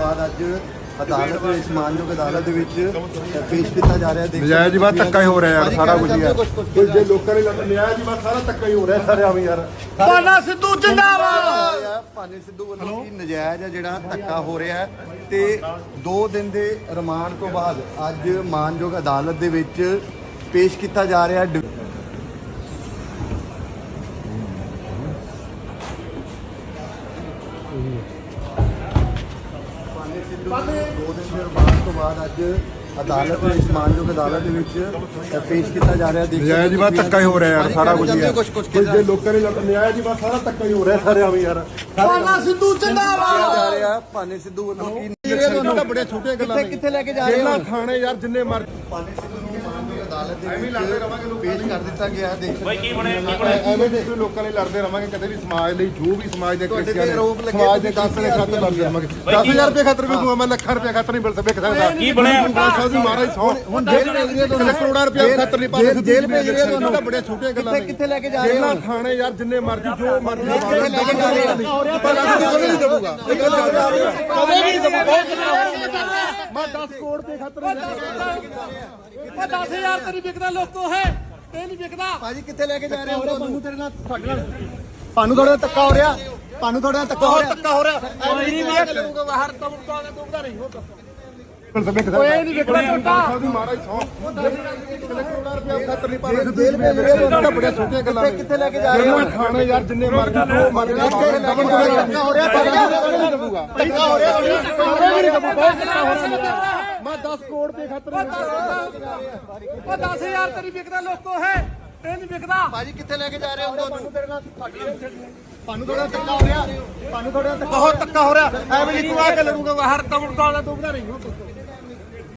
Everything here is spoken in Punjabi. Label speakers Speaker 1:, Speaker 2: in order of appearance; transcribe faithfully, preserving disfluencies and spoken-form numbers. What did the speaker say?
Speaker 1: ਬਾਅਦ ਅੱਜ ਅਦਾਲਤ ਵਿੱਚ ਮਾਨਯੋਗ ਅਦਾਲਤ ਦੇ ਵਿੱਚ ਪੇਸ਼ ਕੀਤਾ ਜਾ ਰਿਹਾ।
Speaker 2: ਨਜਾਇਜ਼ ਹੀ ਬਾਤ ਧੱਕਾ ਹੀ ਹੋ ਰਿਹਾ ਯਾਰ, ਸਾਰਾ ਕੁਝ ਯਾਰ ਜੇ ਲੋਕਾਂ ਨੇ ਨਜਾਇਜ਼ ਹੀ ਬਾਤ ਸਾਰਾ ਧੱਕਾ ਹੀ ਹੋ ਰਿਹਾ ਸਾਰੇ ਆਵੇਂ ਯਾਰ।
Speaker 3: ਭਾਨਾ ਸਿੱਧੂ ਜਿੰਦਾਬਾਦ।
Speaker 1: ਭਾਨੇ ਸਿੱਧੂ ਵੱਲੋਂ ਕੀ ਨਜਾਇਜ਼ ਹੈ ਜਿਹੜਾ ਧੱਕਾ ਹੋ ਰਿਹਾ ਤੇ ਦੋ ਦਿਨ ਦੇ ਰਿਮਾਂਡ ਤੋਂ ਬਾਅਦ ਅੱਜ ਮਾਨਯੋਗ ਅਦਾਲਤ ਦੇ ਵਿੱਚ ਪੇਸ਼ ਕੀਤਾ ਜਾ ਰਿਹਾ। ਦੋ ਦਿਨ ਦੇ ਰਿਮਾਂਡ ਤੋਂ ਬਾਅਦ ਅੱਜ ਅਦਾਲਤ ਵਿੱਚ ਮਾਨਯੋਗ ਅਦਾਲਤ ਦੇ ਵਿੱਚ ਪੇਸ਼ ਕੀਤਾ ਜਾ ਰਿਹਾ।
Speaker 2: ਨਜਾਇਜ਼ ਹੀ ਬਾਤ ਧੱਕਾ ਹੀ ਹੋ ਰਿਹਾ ਯਾਰ, ਸਾਰਾ ਕੁਝ ਯਾਰ ਜੇ ਲੋਕਾਂ ਨੇ ਨਜਾਇਜ਼ ਹੀ ਬਾਤ ਸਾਰਾ ਧੱਕਾ ਹੀ ਹੋ ਰਿਹਾ ਸਾਰੇ ਆਵੇਂ ਯਾਰ।
Speaker 3: ਭਾਨਾ ਸਿੱਧੂ ਜਿੰਦਾਬਾਦ।
Speaker 1: ਜਾ ਰਿਹਾ ਭਾਨੇ ਸਿੱਧੂ ਵੱਲੋਂ ਕੀ
Speaker 2: ਬੜੀਆਂ ਛੋਟੀਆਂ ਗੱਲਾਂ
Speaker 1: ਕਿੱਥੇ ਲੈ ਕੇ ਜਾ ਰਹੇ
Speaker 2: ਜੇਲ੍ਹਾਂ ਥਾਣੇ ਯਾਰ ਜਿੰਨੇ ਮਰ
Speaker 1: ਭਾਨੇ ਸਿੱਧੂ ਨੂੰ ਮਾਨਯੋਗ ਅਦਾਲਤ ਦੇ ਵਿੱਚ ਪੇਸ਼ ਕਰ ਦਿੱਤਾ ਗਿਆ। ਦੇਖ
Speaker 4: ਬਾਈ ਕੀ ਬਣੇ ਕੀ ਬਣੇ
Speaker 2: ਐਵੇਂ ਦੇ ਲੋਕਾਂ ਲਈ ਲੜਦੇ ਰਵਾਂਗੇ ਕਦੇ ਵੀ ਸਮਾਜ ਲਈ, ਜੋ ਵੀ ਸਮਾਜ ਦੇ
Speaker 1: ਤੁਹਾਡੇ ਤੇ
Speaker 2: ਕ੍ਰਿਸਚੀਅਨ
Speaker 1: ਆਰੋਪ ਲੱਗੇ
Speaker 2: ਸਮਾਜ ਦੇ ਕਾਸੇ ਦੇ ਖਾਤਰ ਲੜਦੇ ਰਵਾਂਗੇ। ਦਸ ਹਜ਼ਾਰ ਰੁਪਏ ਖਾਤਰ ਵੀ ਦੂਆ ਮੈਂ ਲੱਖਾਂ ਰੁਪਏ ਖਾਤਰ ਨਹੀਂ ਮਿਲ ਸਕਦਾ।
Speaker 4: ਕੀ ਬਣਿਆ?
Speaker 2: ਸਾਹਿਬ ਦੀ ਮਹਾਰਾਜ ਸੌ ਹੁਣ ਜੇਲ੍ਹ ਭੇਜ ਰਹੀ ਹੈ ਤੁਹਾਨੂੰ ਕਰੋੜਾਂ ਰੁਪਏ ਖਾਤਰ ਨਹੀਂ ਪਾ ਸਕਦੇ।
Speaker 1: ਜੇਲ੍ਹ ਭੇਜ ਰਹੀ ਹੈ ਤੁਹਾਨੂੰ
Speaker 2: ਬੜੀਆਂ ਛੋਟੀਆਂ ਗੱਲਾਂ ਨੇ।
Speaker 1: ਕਿੱਥੇ ਲੈ ਕੇ ਜਾ ਰਹੇ
Speaker 2: ਜੇਲ੍ਹਾਂ
Speaker 1: ਹੋ?
Speaker 2: ਥਾਣੇ ਯਾਰ ਜਿੰਨੇ ਮਰਜ਼ੀ ਜੋ ਮਰਜ਼ੀ
Speaker 1: ਲੈ ਕੇ ਜਾ ਰਹੇ ਹੋ?
Speaker 2: ਕਦੇ ਨਹੀਂ ਦੇਵਾਂਗਾ
Speaker 3: ਕਦੇ ਨਹੀਂ ਦਬਾ।
Speaker 2: ਮੈਂ ਦਸ ਕਰੋੜ ਦੇ ਖਾਤਰ
Speaker 3: ਉਹ ਦਸ ਹਜ਼ਾਰ ਤੇਰੀ ਵਿਕਦਾ ਲੋਕੋ ਹੈ, ਇਹ ਨਹੀਂ ਵਿਕਦਾ।
Speaker 1: ਭਾਜੀ ਕਿੱਥੇ ਲੈ ਕੇ ਜਾ ਰਹੇ ਹੋ?
Speaker 3: ਤੁਹਾਨੂੰ ਤੇਰੇ ਨਾਲ ਤੁਹਾਡੇ ਨਾਲ
Speaker 1: ਤੁਹਾਨੂੰ ਥੋੜਾ ਧੱਕਾ ਹੋ ਰਿਹਾ, ਤੁਹਾਨੂੰ ਥੋੜਾ ਧੱਕਾ ਹੋ ਰਿਹਾ।
Speaker 3: ਧੱਕਾ ਹੋ ਰਿਹਾ। ਕੋਈ ਨਹੀਂ ਮੈਂ ਕਰੂੰਗਾ ਬਾਹਰ ਤੋਂ ਤੋਂ ਤੋਂ ਨਹੀਂ ਹੋ
Speaker 2: ਕੋਈ
Speaker 3: ਨਹੀਂ ਵਿਕਦਾ ਟੋਟਾ।
Speaker 2: ਸਾਹਿਬ ਦੀ ਮਹਾਰਾਜ ਸੌ ਕਦੇ ਕਰੋੜਾਂ ਰੁਪਏ ਖਾਤਰ ਨਹੀਂ ਪਾ ਸਕਦੇ। ਜੇਲ੍ਹ ਭੇਜ ਰਹੇ ਹੋ ਤੁਹਾਨੂੰ ਬੜੀਆਂ ਛੋਟੀਆਂ ਗੱਲਾਂ ਨੇ।
Speaker 1: ਕਿੱਥੇ ਲੈ ਕੇ ਜਾ ਰਹੇ ਹੋ?
Speaker 2: ਜੇਲ੍ਹਾਂ ਥਾਣੇ ਯਾਰ ਜਿੰਨੇ ਮਰਜ਼ੀ ਜੋ ਮਰਜ਼ੀ
Speaker 1: ਧੱਕਾ ਹੋ ਰਿਹਾ,
Speaker 2: ਨਹੀਂ ਦੇਵਾਂਗਾ
Speaker 1: ਧੱਕਾ ਹੋ ਰਿਹਾ।
Speaker 2: ਮੈਂ ਦਸ ਕਰੋੜ ਦੇ ਖਾਤਰ
Speaker 3: ਉਹ ਦਸ ਹਜ਼ਾਰ ਤੇਰੀ ਵਿਕਦਾ ਲੋਕੋ ਹੈ, ਇਹ ਨਹੀਂ ਵਿਕਦਾ।
Speaker 1: ਭਾਜੀ ਕਿੱਥੇ ਲੈ ਕੇ ਜਾ ਰਹੇ ਹੋ? ਤੁਹਾਨੂੰ
Speaker 3: ਤੁਹਾਨੂੰ ਥੋੜਾ ਧੱਕਾ ਹੋ ਰਿਹਾ, ਤੁਹਾਨੂੰ ਥੋੜਾ ਬਹੁਤ ਧੱਕਾ ਹੋ ਰਿਹਾ। ਐਵੇਂ ਨਹੀਂ ਤੂੰ ਆ ਕੇ ਲੜੂਗਾ ਬਾਹਰ ਤੋਂ ਤੋਂ ਤੋਂ ਨਹੀਂ ਹੋ